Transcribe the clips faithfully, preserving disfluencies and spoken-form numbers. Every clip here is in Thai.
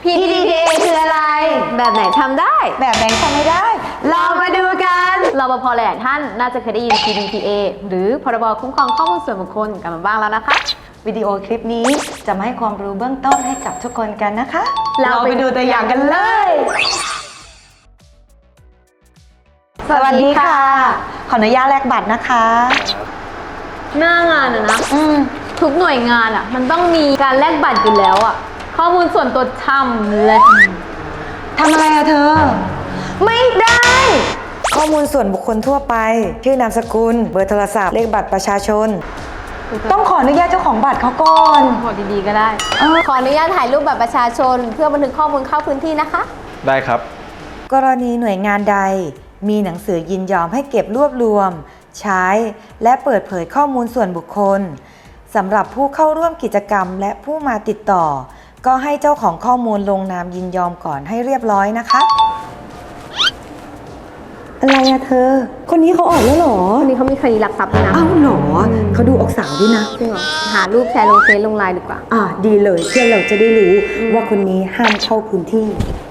พี ดี พี เอ คืออะไรแบบไหนทำได้แบบไหนทำไม่ได้ลองมาดูกันรปภหลายท่านน่าจะเคยได้ยิน พี ดี พี เอ หรือพรบคุ้มครองข้อมูลส่วนบุคคลกันมาบ้างแล้วนะคะวิดีโอคลิปนี้จะมาให้ความรู้เบื้องต้นให้กับทุกคนกันนะคะเราไปดูตัวอย่างกันเลยสวัสดีค่ะขออนุญาตแลกบัตรนะคะหน้างานอะนะทุกหน่วยงานอะมันต้องมีการแลกบัตรอยู่แล้วอะข้อมูลส่วนตัวช่ำเลยทำอะไรอะเธอไม่ได้ข้อมูลส่วนบุคคลทั่วไปชื่อนามสกุลเบอร์โทรศัพท์เลขบัตรประชาชนต้องขออนุญาตเจ้าของบัตรเขาก่อนบอกดีๆก็ได้ขออนุญาตถ่ายรูปบัตรประชาชนเพื่อบันทึกข้อมูลเข้าพื้นที่นะคะได้ครับกรณีหน่วยงานใดมีหนังสือยินยอมให้เก็บรวบรวมใช้และเปิดเผยข้อมูลส่วนบุคคลสำหรับผู้เข้าร่วมกิจกรรมและผู้มาติดต่อก็ให้เจ้าของข้อมูลลงนามยินยอมก่อนให้เรียบร้อยนะคะอะไรอะเธอคนนี้เขาออกแล้วหรอคนนี้เขามีคดีลักทรัพย์ด้วยนะอ้าวหรอเขาดูออกสาวด้วยนะจริงเหรอหารูปแชร์ลงเฟซลงไลน์ดีกว่าอ่าดีเลยเพื่อเราจะได้รู้ว่าคนนี้ห้ามเข้าพื้นที่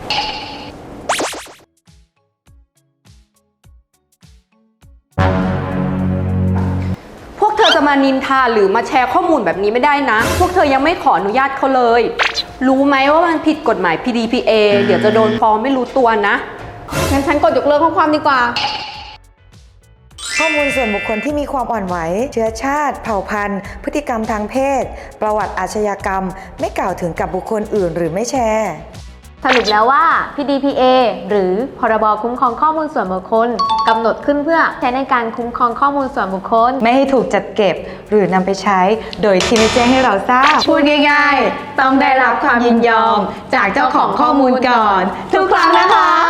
พวกเธอจะมานินทาหรือมาแชร์ข้อมูลแบบนี้ไม่ได้นะพวกเธอยังไม่ขออนุญาตเขาเลยรู้ไหมว่ามันผิดกฎหมาย พี ดี พี เอ เดี๋ยวจะโดนฟ้องไม่รู้ตัวนะงั้นฉันกดยกเลิกข้อความดีกว่าข้อมูลส่วนบุคคลที่มีความอ่อนไหวเชื้อชาติเผ่าพันธุ์พฤติกรรมทางเพศประวัติอาชญากรรมไม่กล่าวถึงกับบุคคลอื่นหรือไม่แชร์สรุปแล้วว่า พี ดี พี เอ หรือพรบคุ้มครองข้อมูลส่วนบุคคลกำหนดขึ้นเพื่อใช้ในการคุ้มครองข้อมูลส่วนบุคคลไม่ให้ถูกจัดเก็บหรือนำไปใช้โดยที่ไม่แจ้งให้เราทราบพูดง่ายๆต้องได้รับความยินยอมจากเจ้าของข้อมูลก่อนทุกครั้งนะคะ